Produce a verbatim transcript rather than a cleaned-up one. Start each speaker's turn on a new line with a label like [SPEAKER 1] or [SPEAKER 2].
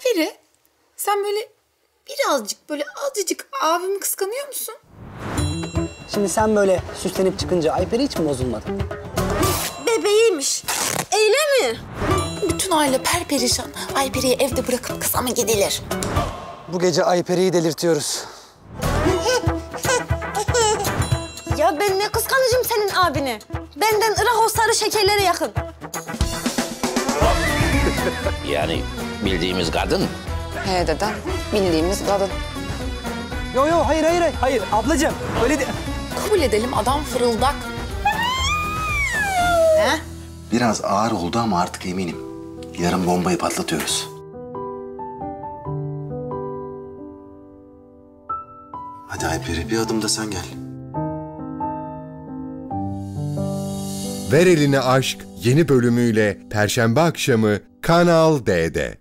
[SPEAKER 1] Ayperi, sen böyle birazcık, böyle azıcık abimi kıskanıyor musun?
[SPEAKER 2] Şimdi sen böyle süslenip çıkınca Ayperi hiç mi bozulmadı?
[SPEAKER 3] Bebeğiymiş. Öyle mi?
[SPEAKER 1] Bütün aile perperişan. Ayperi'yi evde bırakıp kıza mı gidilir?
[SPEAKER 2] Bu gece Ayperi'yi delirtiyoruz.
[SPEAKER 3] Ya ben ne kıskanacağım senin abini? Benden Irak o sarı şekerlere yakın.
[SPEAKER 4] Yani bildiğimiz kadın.
[SPEAKER 5] He dedem, bildiğimiz kadın.
[SPEAKER 2] Yo yo hayır hayır hayır. Hayır ablacığım öyle de...
[SPEAKER 1] Kabul edelim, adam fırıldak.
[SPEAKER 3] He?
[SPEAKER 6] Biraz ağır oldu ama artık eminim. Yarın bombayı patlatıyoruz. Hadi Ayperi, bir adım da sen gel.
[SPEAKER 7] Ver Eline Aşk yeni bölümüyle Perşembe akşamı Kanal D'de.